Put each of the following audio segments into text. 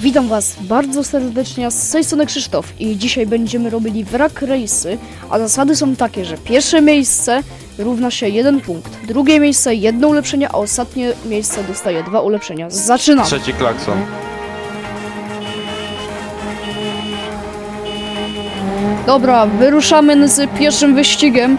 Witam Was bardzo serdecznie, z tej strony Krzysztof i dzisiaj będziemy robili wrak race'y, a zasady są takie, że pierwsze miejsce równa się 1 punkt, drugie miejsce 1 ulepszenie, a ostatnie miejsce dostaje 2 ulepszenia. Zaczynamy! Trzeci klakson. Dobra, wyruszamy z pierwszym wyścigiem.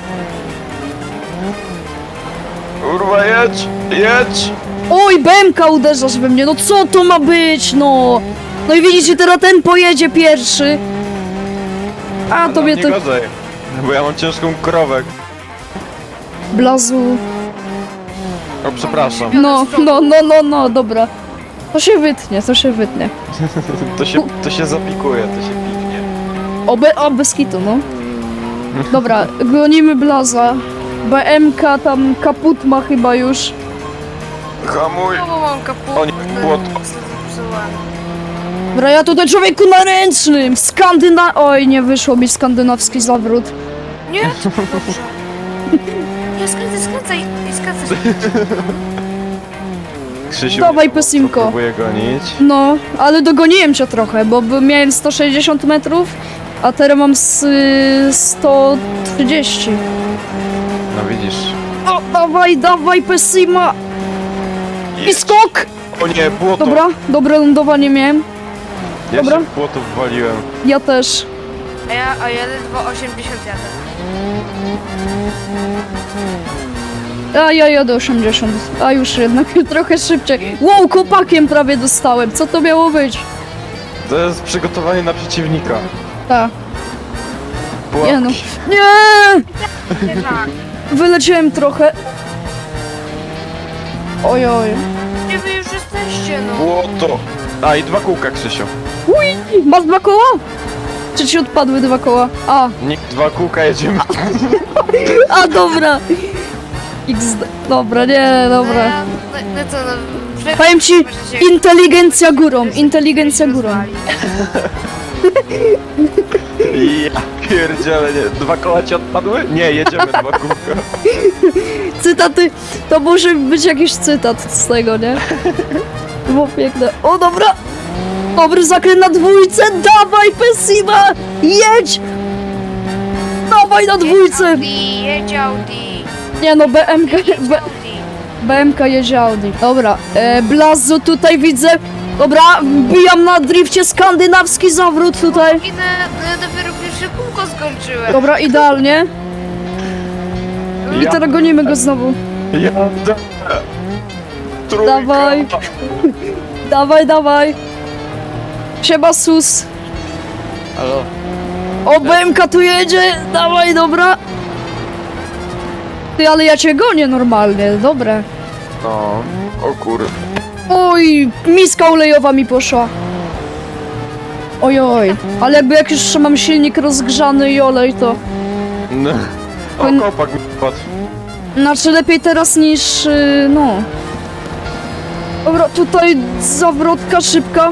Kurwa, jedź! Jedź! Oj, BMK uderzasz we mnie, no co to ma być, no! No i widzicie, teraz ten pojedzie pierwszy. A tobie nie to... gorzej, bo ja mam ciężką krowę. Blazu... O, przepraszam. No, dobra. To się wytnie, to się wytnie. To się zapikuje, to się piknie. O, bez kitu, no. Dobra, gonimy Blaza. BMK tam kaput ma chyba już. Hamuj! No bo mam kaput. O nie, błoto. Dobra, ja tutaj człowieku na ręcznym. Oj, nie wyszło mi skandynawski zawrót. Nie? Dobrze. Nie, skręcaj. Krzysiu Dawaj, mnie Pesimko. próbuje gonić. No, ale dogoniłem cię trochę, bo miałem 160 metrów, a teraz mam 130. No widzisz. O, dawaj, Pesima! I Jedź. skok! O nie, błoto! Dobra, dobre lądowanie miałem. Ja dobra. się w błoto wwaliłem. Ja też. A ja ledwo 80 jadę. A ja jadę 80, a już jednak trochę szybciej. Wow, kopakiem prawie dostałem, co to miało być? To jest przygotowanie na przeciwnika. Tak, Pułapki. nie no. Nie! Nie tak. Wyleciałem trochę. Ojoj. Gdzie wy już jesteście, no? Błoto! A i 2 kółka, Krzysiu. Uj, masz 2 koła? Czy ci odpadły 2 koła? A, Nikt 2 kółka jedziemy. a dobra. XD. Dobra, nie, dobra. No co, no... Powiem ci, inteligencja górą, inteligencja górą. Ja pierdziele, nie. 2 koła ci odpadły? Nie, jedziemy 2 kółka. Cytaty, to może być jakiś cytat z tego, nie? To było piękne. O, dobra! Dobry zakręt na dwójce, dawaj Pesima! Jedź! Dawaj na dwójce! Jedź Audi. Nie no, BMK jedzie Audi. Dobra, Blazo tutaj widzę. Dobra, wbijam na drifcie skandynawski zawrót tutaj. Idę, no ja dopiero pierwsze kółko skończyłem. Dobra, idealnie. I teraz gonimy go znowu. Jadę! Trójka. Dawaj. Siema sus. Halo? O, BMK tu jedzie. Dawaj, dobra. Ty, ale ja cię gonię normalnie, dobre. No, o kur... Oj, miska olejowa mi poszła. Ojoj, ale jakby jak już mam silnik rozgrzany i olej, to... No. O, kopak mi wpadł. Znaczy lepiej teraz niż, no. Dobra, tutaj zawrotka szybka.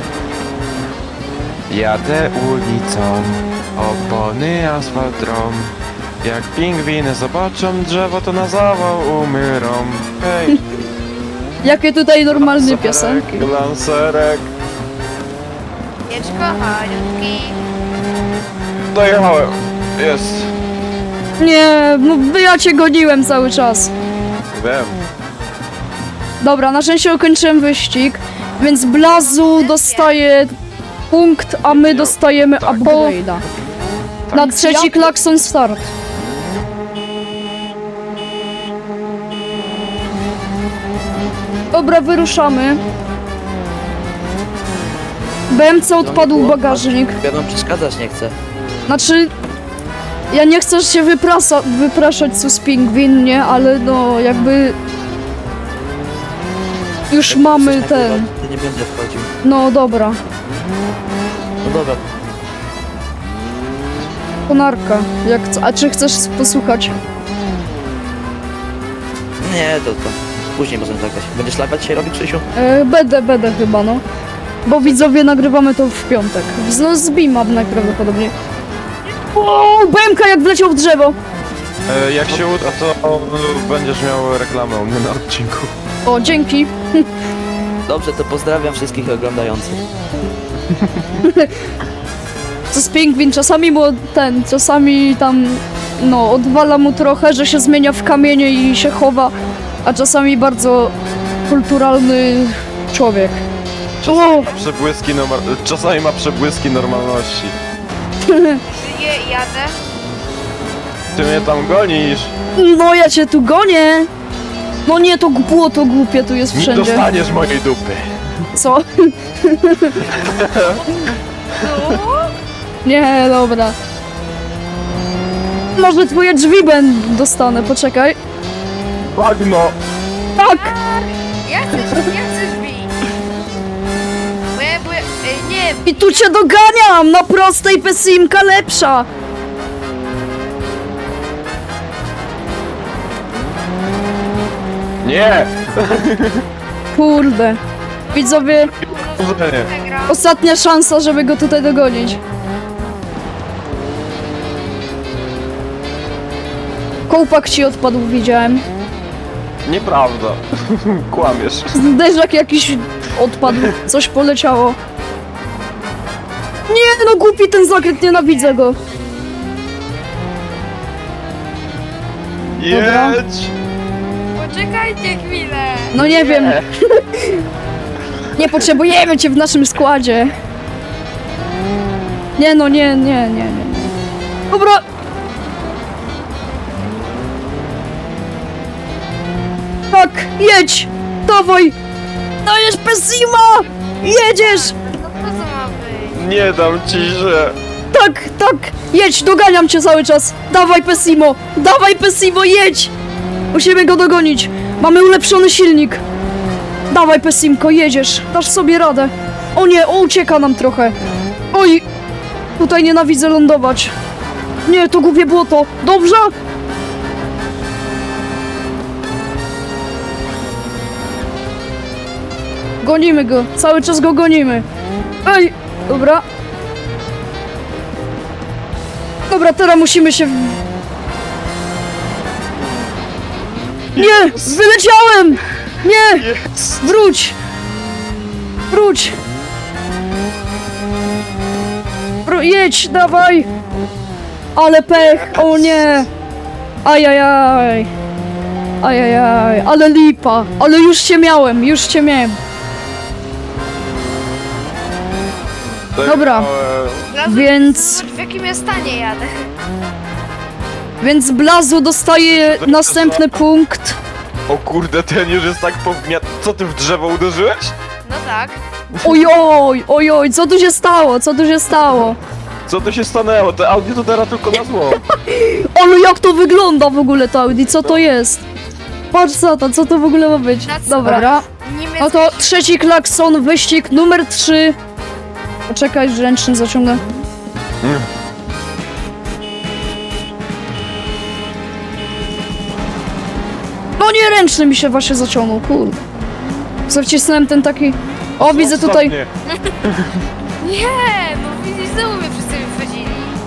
Jadę ulicą, opony asfalt drą. Jak pingwiny zobaczą drzewo, to na zawał umyrą. Hej, Jakie tutaj normalne piosenki. Lancerek. Jedź kochaniutki. Dojechałem. Jest. Nie, no ja cię goniłem cały czas. Wiem. Dobra, na szczęście ukończyłem wyścig, więc Blazu dostaje punkt, a my dostajemy Tak. upgrade'a. Na trzeci klakson start. Dobra, wyruszamy. BMC odpadł bagażnik. Ja nam przeszkadzać nie chcę. Znaczy, ja nie chcę się wypraszać sus pingwin, nie? Ale no, jakby... Już Jak mamy chcesz ten... nagrywać, to nie będę wchodził. No dobra, No dobra, konarka. A czy chcesz posłuchać? nie, to później możemy zagrać. Będziesz live'a dzisiaj robić, Krzysiu? Będę chyba, no. Bo widzowie nagrywamy to w piątek. No z Bima najprawdopodobniej. O, BMK jak wleciał w drzewo. Jak się uda, to będziesz miał reklamę u mnie na odcinku. O, dzięki. Dobrze, to pozdrawiam wszystkich oglądających. To jest pingwin, czasami mu czasami tam, no, odwala mu trochę, że się zmienia w kamienie i się chowa, a czasami bardzo kulturalny człowiek. Czasami ma przebłyski normalności. Żyję i jadę. Ty mnie tam gonisz. No ja cię tu gonię! No nie, to błoto głupie tu jest Nie wszędzie. dostaniesz mojej dupy. Co? Tu? Nie, dobra. Może twoje drzwi dostanę, poczekaj. Bagno. Tak! Ja chcę drzwi. Nie, I tu cię doganiam! Na prostej pesimka lepsza! Nie! Kurde. Widzowie, Urzenie. przegram. ostatnia szansa, żeby go tutaj dogonić. Kołpak ci odpadł, widziałem. Nieprawda. Kłamiesz. Zderzak jakiś odpadł, coś poleciało. Nie, no głupi ten zakręt, nienawidzę go. Dobra. Jedź! Poczekajcie chwilę. No nie wiem. Nie potrzebujemy cię w naszym składzie. Nie no, nie. Dobra. Tak, jedź! Dawaj! Dajesz Pessima! Jedziesz! No po co ma być? Nie dam ci się. Tak, jedź, doganiam cię cały czas. Dawaj Pessimo, jedź! Musimy go dogonić. Mamy ulepszony silnik. Dawaj Pessimko, jedziesz. Dasz sobie radę. O nie, ucieka nam trochę. Oj, tutaj nienawidzę lądować. Nie, to głupie błoto. Dobrze? Gonimy go, cały czas go gonimy. Ej, dobra. Dobra, teraz musimy się... Nie! Wyleciałem! Nie! Jest. Wróć! Wróć! Jedź, dawaj! Ale pech, o nie! Ajajaj! Ajajaj, ale lipa! Ale już cię miałem! Dobra. Blazu, Więc- zobacz, w jakim ja stanie jadę. Więc Blazu dostaje następny punkt. O kurde, ten już jest tak powmiat... Co ty w drzewo uderzyłeś? No tak. Ojoj, co tu się stało? Co tu się stanęło? Te Audi to teraz tylko na zło. Ale jak to wygląda w ogóle to Audi? Co to jest? Patrz co to w ogóle ma być? Dobra. Niemiecki. No to trzeci klakson, wyścig numer 3. Poczekaj, że ręczny zaciągnę. No nie, ręczny mi się właśnie zaciągnął, kurde. Zawcisnąłem ten taki... O, widzę tutaj... Ostatnie. Nie, no widzisz, znowu mnie wszyscy wychodzili.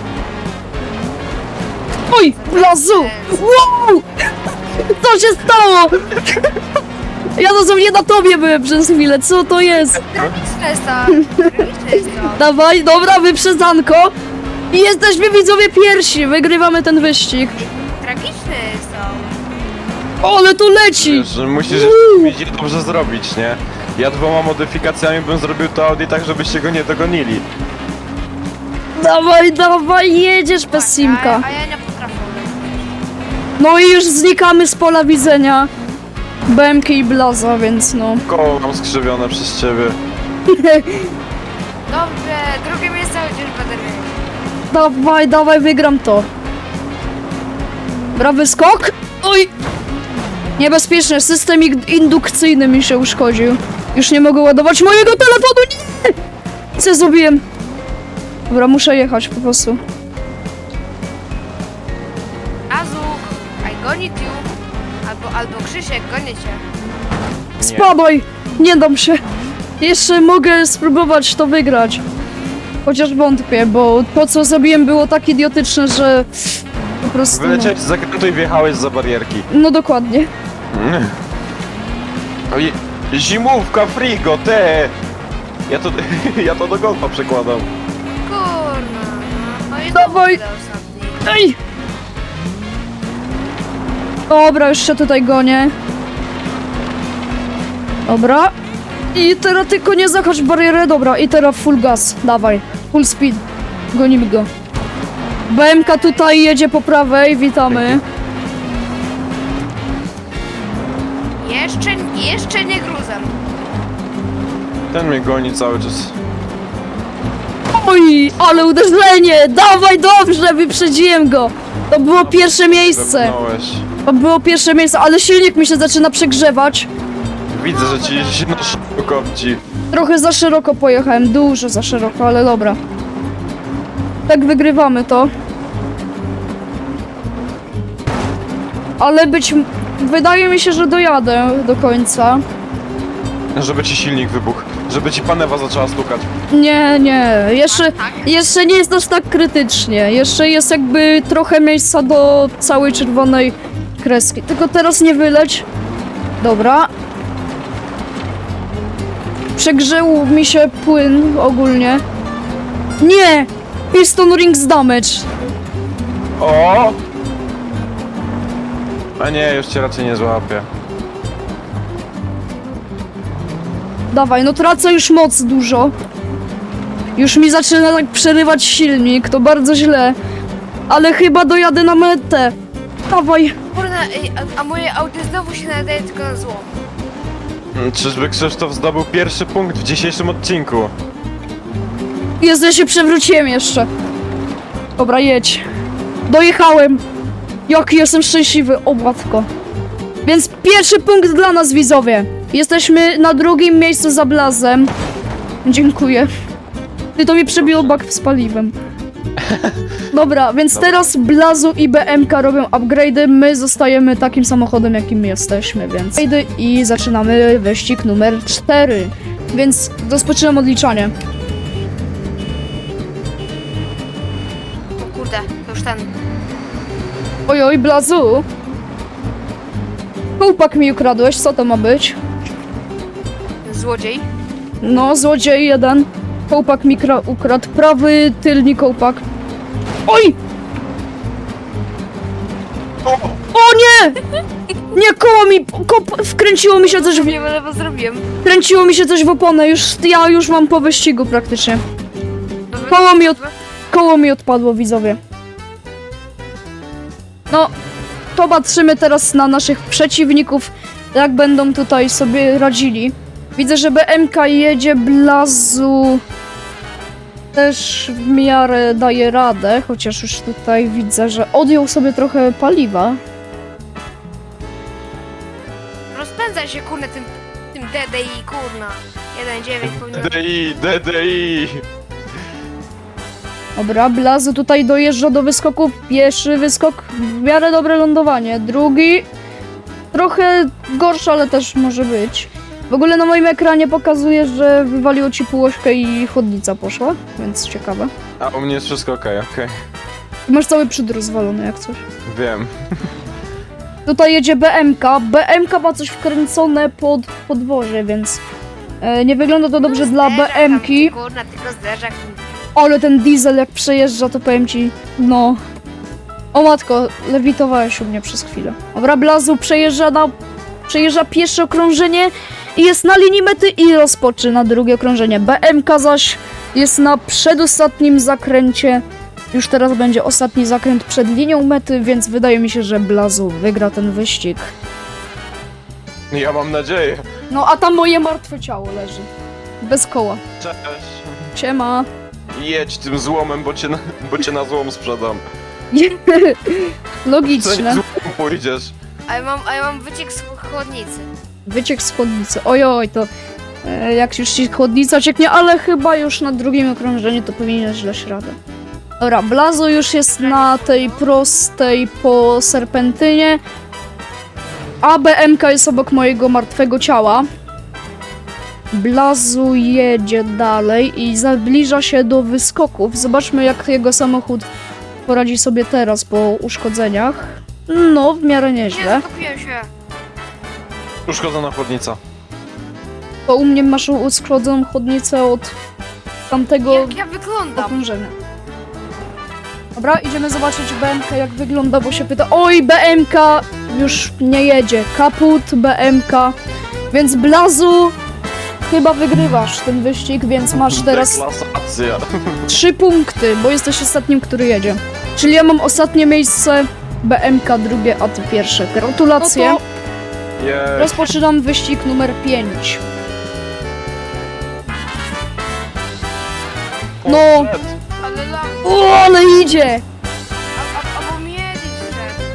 Oj, Blazu! Wow! Co się stało? Ja dosłownie na tobie byłem przez chwilę, co to jest? Tragiczne jest to. Dawaj, dobra, wyprzedzanko. I jesteśmy widzowie pierwsi, wygrywamy ten wyścig. Tragiczne jest to. O, ale tu leci! Wiesz, że musisz widzieć dobrze zrobić, nie? Ja 2 modyfikacjami bym zrobił to Audi tak, żebyście go nie dogonili. Dawaj, jedziesz bez simka. A ja nie potrafię. No i już znikamy z pola widzenia BMK i Blaza, więc no. Koło mam skrzywione przez ciebie. Dobrze, drugie miejsce chociaż będę mieć. Dawaj, wygram to. Brawy skok. Oj! Niebezpieczne, system indukcyjny mi się uszkodził. Już nie mogę ładować mojego telefonu, nie! Co zrobiłem? Dobra, muszę jechać po prostu. Azuk, I goni you. Albo Krzysiek, gonię cię. Spadaj! Nie dam się. Jeszcze mogę spróbować to wygrać. Chociaż wątpię, bo to co zrobiłem było tak idiotyczne, że po prostu... Wyleciałeś z zakrętu i wjechałeś za barierki. No dokładnie. Oj, Zimówka, frigo, te! Ja to, ja to do golfa przekładam. Kurna. No i Dawaj. znowu ostatni. Ej! Dobra, już się tutaj gonię. Dobra. I teraz tylko nie zahacz w barierę, dobra. I teraz full gas, dawaj. Full speed. Gonimy go. BMK tutaj jedzie po prawej, witamy. Jeszcze nie gruzem. Ten mnie goni cały czas. Oj, ale uderzenie! Dawaj, dobrze, wyprzedziłem go. To było pierwsze miejsce. Zepnąłeś. To było pierwsze miejsce, ale silnik mi się zaczyna przegrzewać. Widzę, że ci się na szybko kopci. Trochę za szeroko pojechałem, dużo za szeroko, ale dobra. Tak wygrywamy to. Ale wydaje mi się, że dojadę do końca. Żeby ci silnik wybuchł. Żeby ci panewa zaczęła stukać. Nie, Tak? jeszcze nie jest aż tak krytycznie. Jeszcze jest jakby trochę miejsca do całej czerwonej kreski. Tylko teraz nie wyleć. Dobra. Przegrzeł mi się płyn ogólnie. Nie! Piston rings damage. O! A nie, już cię raczej nie złapię. Dawaj, no tracę już moc dużo. Już mi zaczyna tak przerywać silnik, to bardzo źle. Ale chyba dojadę na metę. Dawaj. Kurna, ej, a moje Audi znowu się nadaje tylko na złom. Czyżby Krzysztof zdobył pierwszy punkt w dzisiejszym odcinku? Jezu, ja się przewróciłem jeszcze. Dobra, jedź. Dojechałem. Jaki jestem szczęśliwy, o matko. Więc pierwszy punkt dla nas, widzowie. Jesteśmy na drugim miejscu za Blazem. Dziękuję. Ty to mi przebiło bak z paliwem. Dobra, więc teraz Blazu i BMK robią upgrade'y. My zostajemy takim samochodem, jakim jesteśmy, więc... I zaczynamy wyścig numer 4. Więc rozpoczynam odliczanie. O kurde, to już ten. Ojoj, Blazu! Kołpak mi ukradłeś, co to ma być? Złodziej. No, złodziej jeden. Kołpak mi ukradł. Prawy tylny kołpak. Oj! O nie! Nie, koło mi... Wkręciło mi się coś w... Nie wiem, lewo zrobiłem. Kręciło mi się coś w oponę. Ja już mam po wyścigu praktycznie. Koło mi odpadło, widzowie. No, to patrzymy teraz na naszych przeciwników, jak będą tutaj sobie radzili. Widzę, że BMK jedzie, Blazu też w miarę daje radę, chociaż już tutaj widzę, że odjął sobie trochę paliwa. Rozpędzaj się, kurna, tym DDI, kurna. 1.9 powinien... DDI! Dobra, Blazu tutaj dojeżdża do wyskoku. Pierwszy wyskok, w miarę dobre lądowanie. Drugi, trochę gorszy, ale też może być. W ogóle na moim ekranie pokazuje, że wywaliło ci półośkę i chłodnica poszła, więc ciekawe. A u mnie jest wszystko okej. Masz cały przód rozwalony jak coś. Wiem. Tutaj jedzie BMK. BMK ma coś wkręcone pod podwozie, więc nie wygląda to dobrze dla Zderzak BMki. tam, kurna, tylko zderzak. Ale ten diesel jak przejeżdża, to powiem ci, no... O matko, lewitowałeś u mnie przez chwilę. Dobra, Blazu przejeżdża pierwsze okrążenie i jest na linii mety i rozpoczyna drugie okrążenie. BMK zaś jest na przedostatnim zakręcie. Już teraz będzie ostatni zakręt przed linią mety, więc wydaje mi się, że Blazu wygra ten wyścig. Ja mam nadzieję. No a tam moje martwe ciało leży. Bez koła. Cześć. Siema. Jedź tym złomem, bo cię na złom sprzedam. Co nie Logiczne. złom pójdziesz? A ja mam wyciek z chłodnicy. Wyciek z chłodnicy. Ojoj, to jak już ci chłodnica cieknie, ale chyba już na drugim okrążeniu to powinieneś dać radę. Dobra, Blazu już jest na tej prostej po serpentynie, a BMK jest obok mojego martwego ciała. Blazu jedzie dalej i zbliża się do wyskoków. Zobaczmy, jak jego samochód poradzi sobie teraz po uszkodzeniach. No, w miarę Nie, nieźle. skupiłem się. Uszkodzona chłodnica. To u mnie masz uszkodzoną chodnicę od tamtego Jak ja wyglądam? okrążenia. Dobra, idziemy zobaczyć BMK jak wygląda, bo się pyta. Oj, BMK już nie jedzie. Kaput, BMK. Więc Blazu, chyba wygrywasz ten wyścig, więc masz teraz Deklasacja. 3 punkty, bo jesteś ostatnim, który jedzie. Czyli ja mam ostatnie miejsce, BMK drugie, a ty pierwsze. Gratulacje. No Jej. Rozpoczynam wyścig numer 5. No. Ale lam... O, ale idzie! Albo mnie źle.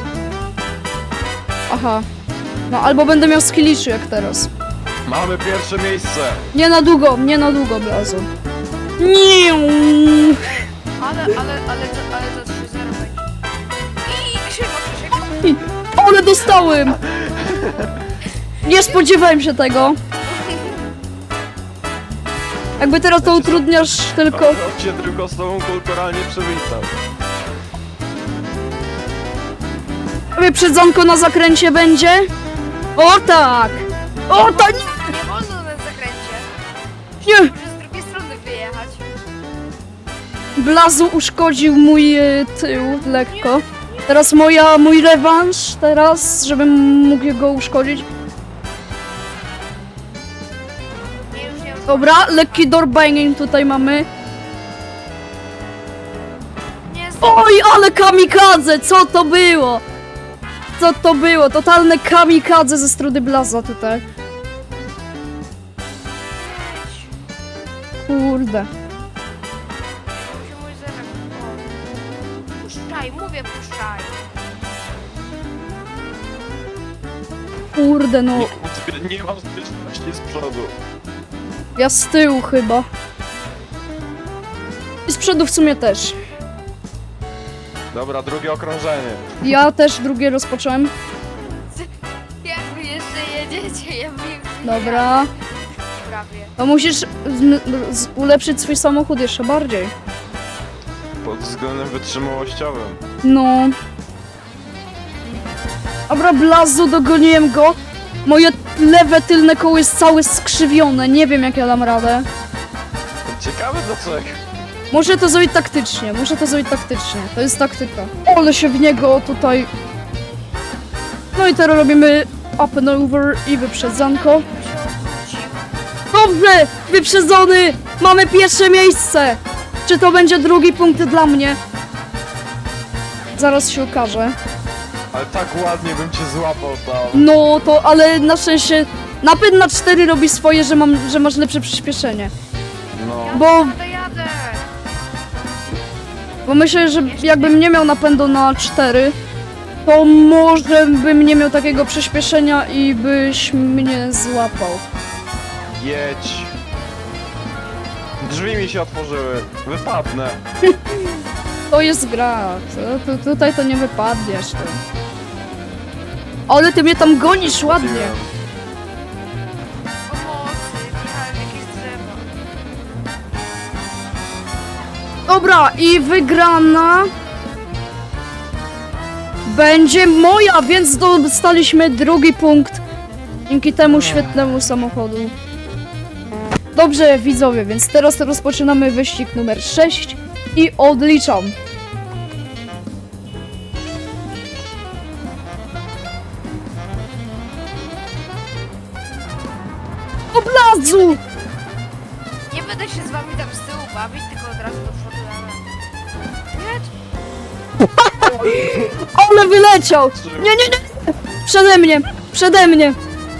Aha. No albo będę miał skilliczy jak teraz. Mamy pierwsze miejsce. Nie na długo, Blazu. Nie. Ale to 3-0 będzie. I Krzywo, Krzysiek. Ale dostałem! Nie spodziewałem się tego. Jakby teraz to utrudniasz tylko... On cię tylko z tobą kulturalnie przywitał. Wyprzedzonko na zakręcie będzie? O tak! O tak! Nie wolno na zakręcie. Nie! Muszę z drugiej strony wyjechać. Blazu uszkodził mój tył lekko. Teraz mój rewanż, teraz, żebym mógł go uszkodzić. Nie, już. Dobra, lekki doorbanging tutaj mamy. Nie, Oj, ale kamikadze! Co to było? Co to było? Totalne kamikadze ze strony Blaza tutaj. Kurde. Mój zerek. O. Puszczaj, mówię puszczaj. Kurde, no. Nie mam zbytności z przodu. Ja z tyłu chyba. I z przodu w sumie też. Dobra, drugie okrążenie. Ja też drugie rozpocząłem. Jak wy jeszcze jedziecie, ja wiem. Dobra. Prawie. To musisz ulepszyć swój samochód jeszcze bardziej. Pod względem wytrzymałościowym. No. Dobra, Blazu, dogoniłem go. Moje lewe tylne koło jest całe skrzywione. Nie wiem, jak ja dam radę. Ciekawe dlaczego. Muszę to zrobić taktycznie. To jest taktyka. Ale się w niego tutaj... No i teraz robimy up and over i wyprzedzanko. Dobrze! Wyprzedzony! Mamy pierwsze miejsce! Czy to będzie drugi punkt dla mnie? Zaraz się okaże. Ale tak ładnie bym cię złapał tam. No to, ale na szczęście napęd na 4 robi swoje, że masz lepsze przyspieszenie. No. Bo, Jadę. bo myślę, że jakbym nie miał napędu na 4, to może bym nie miał takiego przyspieszenia i byś mnie złapał. Jedź. Drzwi mi się otworzyły. Wypadnę. To jest gra. Tutaj to nie wypadniesz. Ty. Ale ty mnie tam gonisz ładnie. Pomocy, wjechałem w jakieś drzewo. Dobra, i wygrana będzie moja, więc dostaliśmy drugi punkt dzięki temu świetnemu samochodu. Dobrze, widzowie, więc teraz rozpoczynamy wyścig numer 6 i odliczam. O Blazu! Nie będę się z wami tam z tyłu bawić, tylko od razu do przodu jadę. Nie? Ale wyleciał! Nie! Przede mnie!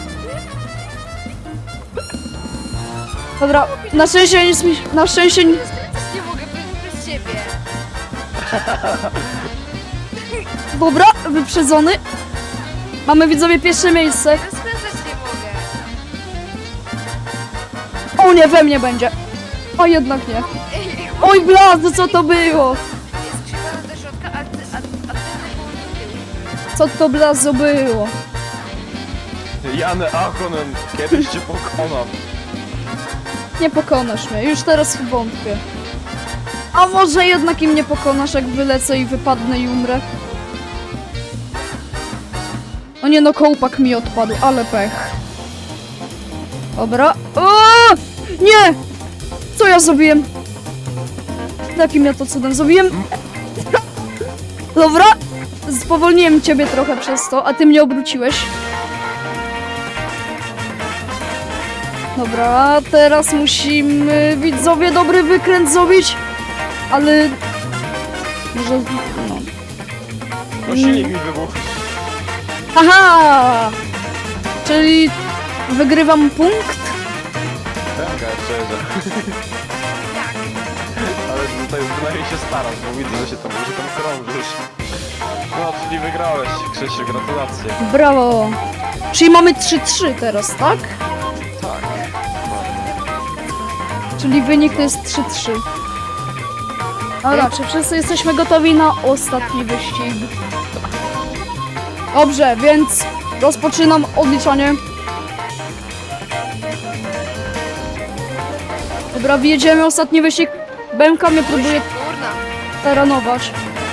Dobra, na szczęście nic mi... Na szczęście... Też nie mogę bez ciebie. Dobra, wyprzedzony. Mamy, widzowie, pierwsze miejsce. Rozpędzać nie mogę. O nie, we mnie będzie. A jednak nie. Oj, Blazu, co to było? Jest krzywa do środka, a ty południe tył. Co to, Blazu, było? Janę Achonen, kiedyś cię pokonam. Nie pokonasz mnie, już teraz wątpię. A może jednak im nie pokonasz, jak wylecę i wypadnę i umrę? O nie, no kołpak mi odpadł, ale pech. Dobra. O! Nie! Co ja zrobiłem? Jakim ja to cudem zrobiłem? Dobra. Spowolniłem ciebie trochę przez to, a ty mnie obróciłeś. Dobra, teraz musimy, widzowie, dobry wykręt zrobić. Ale... Może... no. No silnik mi wybuchł. Aha! Czyli wygrywam punkt? Pemka jeszcze jedzie. Tak. Ale tutaj przynajmniej się starasz, bo widzę, że tam krążysz. No, czyli wygrałeś, Krzysiu, gratulacje. Brawo! Czyli mamy 3-3 teraz, tak? Tak. Czyli wynik to jest 3-3. Dobra, czy wszyscy jesteśmy gotowi na ostatni wyścig? Dobrze, więc rozpoczynam odliczanie. Dobra, wjedziemy ostatni wyścig. BMK mnie próbuje Kurna. taranować.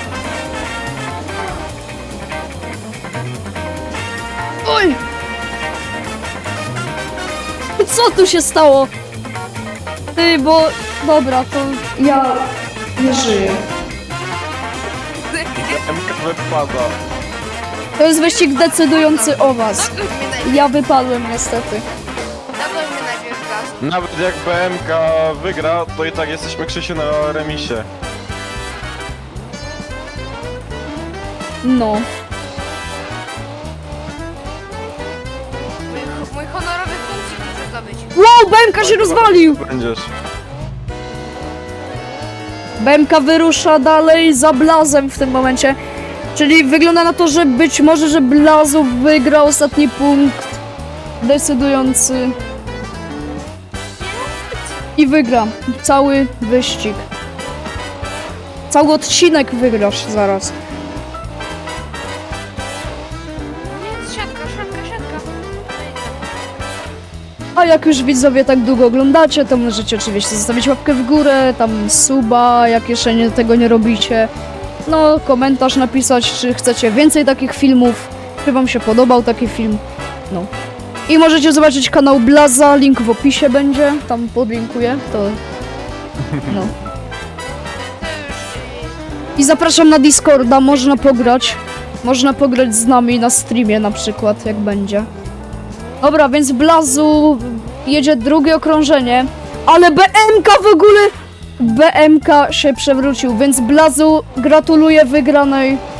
Oj! Co tu się stało? Ty, bo... Dobra, to ja nie żyję. Pemka wypada. To jest wyścig decydujący o was. Zagoń mnie najpierw. Ja wypadłem niestety. Zagoń mnie najpierw gaz. Nawet jak BMK wygra, to i tak jesteśmy, Krzysiu, na remisie. No. Mój honorowy punkcik muszę zdobyć. Wow, BMK się rozwalił! Będziesz. BMK wyrusza dalej za Blazem w tym momencie. Czyli wygląda na to, że być może, że Blazu wygra ostatni punkt decydujący. I wygra cały wyścig. Cały odcinek wygrasz zaraz. Nie, siatka. A jak już widzowie tak długo oglądacie, to możecie oczywiście zostawić łapkę w górę, tam suba, jak jeszcze tego nie robicie. No, komentarz napisać, czy chcecie więcej takich filmów, czy wam się podobał taki film. No. I możecie zobaczyć kanał Blaza, link w opisie będzie, tam podlinkuję, to... No. To już... I zapraszam na Discorda, można pograć. Można pograć z nami na streamie na przykład, jak będzie. Dobra, więc Blazu jedzie drugie okrążenie, ale BMK w ogóle... BMK się przewrócił, więc Blazu gratuluję wygranej